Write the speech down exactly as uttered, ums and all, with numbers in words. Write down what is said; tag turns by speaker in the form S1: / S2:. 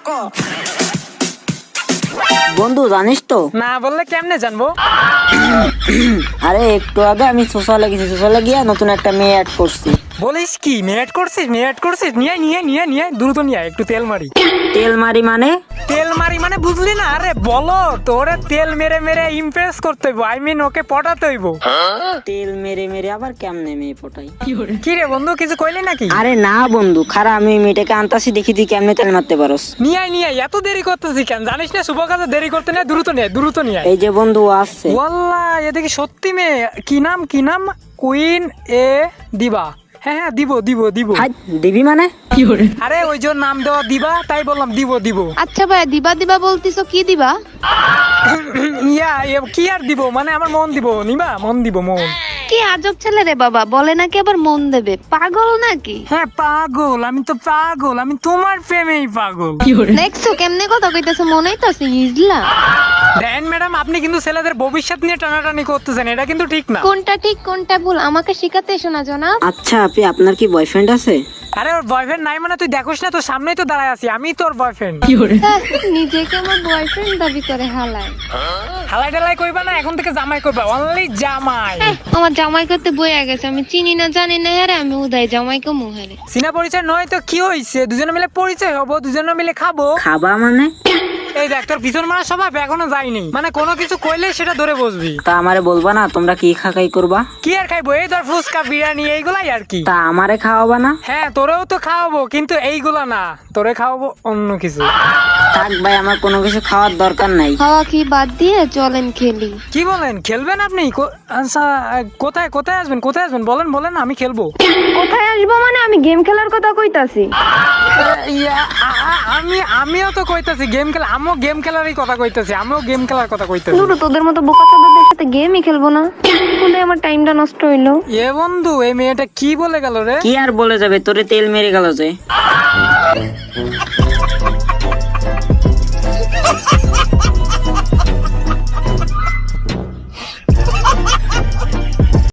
S1: বন্ধু জানিস তো?
S2: না বললে কেমনে জানবো?
S1: আরে একটু আগে আমি সোশ্যালে গেছি, সোশ্যালে গিয়ে নতুন একটা মেয়ে অ্যাড করছি।
S2: বলিস কি? মেয়েট করছিস? মেয়েট করছিস? নিয়ে নিয়ে নিয়ে নিয়ে দ্রুত নিয়ে আয়, একটু তেল মারি।
S1: তেল মারি মানে?
S2: তেল মারি মানে বুঝলি না? আরে বলো তোরে তেল মেরে মেরে ইমপ্রেস করতে হইব, আই মিন ওকে পটাতে হইব।
S1: তেল মেরে মেরে আবার কেমনে মেয়ে পটাই?
S2: কি রে বন্ধু, কিছু কইলি নাকি?
S1: আরে না বন্ধু, খারা আমি মেয়েটাকে আনতাছি, দেখি তুই কেমনে তেল মারতে পারস।
S2: নিয়ে আয় নিয়ে আয়, এত দেরি করতেছি কেন? জানিস না শুভ কাজে দেরি করতে নেই, দ্রুত নিয়ে আয়, দ্রুত নিয়ে আয়।
S1: এই যে বন্ধু আসছে।
S2: ওয়াল্লাহ এ দেখি সত্যি মেয়ে। কি নাম কি নাম? কুইন এ দিবা। হ্যাঁ হ্যাঁ দিব দিব দিব।
S1: হাই দিবি মানে?
S2: আরে ওই যে নাম দেওয়া দিবা, তাই বললাম দিব দিব।
S3: আচ্ছা ভাই, দিবা দিবা বলতিছো, কি দিবা?
S2: ইয়া ইয়া, কি আর দিব মানে আমার মন দিব, নিবা? মন দিব, মন।
S3: কি আজব ছেলে রে বাবা, বলে নাকি আবার মন দেবে, পাগল নাকি?
S2: হ্যাঁ পাগল, আমি তো পাগল, আমি তোমার প্রেমেই পাগল।
S3: দেখছো কেমনে কথা কইতেছে, মনেই তো ইজলা।
S2: দেন ম্যাডাম, আপনি কিন্তু ছেলেদের ভবিষ্যৎ নিয়ে টানাটানি করতেছেন, এটা কিন্তু ঠিক না।
S3: কোনটা ঠিক কোনটা ভুল আমাকে শিখাতে এসো না জনাব।
S1: আচ্ছা আপনি, আপনার কি বয়ফ্রেন্ড আছে?
S2: আরে ওর বয়ফ্রেন্ড নাই মানে তুই দেখোস না? তোর সামনেই তো দাঁড়ায় আছি, আমি তোর বয়ফ্রেন্ড।
S3: হ্যাঁ, নিজেকে আমার বয়ফ্রেন্ড দাবি করে হালায়।
S2: হালাই টালাই কইবা না, এখন থেকে জামাই কইবা, অনলি জামাই।
S3: হ্যাঁ, আমার জামাই করতে বইয়া গেছে, আমি চিনি না জানি না, হ্যাঁ আমি উদয় জামাইকে মুহারে।
S2: চিনা পরিচয় নয় তো কি হইছে? দুজনে মিলে পরিচয় হবো, দুজনে মিলে খাবো।
S1: খাবা মানে?
S2: এই দেখ, তোর পিছন মারা স্বভাব এখনো যায়নি, মানে কোনো কিছু কইলে সেটা ধরে বসবি।
S1: তা আমারে বলবা না তোমরা কি খাকাই করবা?
S2: কি আর খাইবো? এই ধর ফুচকা, বিরিয়ানি, এইগুলাই আর কি।
S1: তা আমারে খাওয়াবা না?
S2: হ্যাঁ তোরেও তো খাওয়াবো, কিন্তু এইগুলা না, তোরে খাওয়াবো অন্য কিছু।
S1: থাক ভাই, আমার কোনো কিছু খাওয়ার দরকার নাই।
S3: খাওয়া কি বাদ দিয়ে চলেন খেলি।
S2: কি বলেন, খেলবেন আপনি? কো- আচ্ছা, কোথায় কোথায় আসবেন? কোথায় আসবেন বলেন বলেন, আমি খেলবো।
S3: কোথায় আসবো মানে? আমি গেম খেলার কথা কইতাছি।
S2: ইয়া, আ- আ- আমি আমিও তো কইতাছি গেম খেলা, আমিও গেম খেলারই কথা কইতাছি, আমিও গেম খেলার কথা কইতাছি।
S3: দুটো তোদের মতো বোকা চোদাদের সাথে গেমই খেলবো না, বলে আমার টাইমটা নষ্ট হইলো।
S2: এ বন্ধু, এই মেয়েটা কি বলে গেল রে?
S1: কি আর বলে যাবে, তোরে তেল মেরে গেল যে।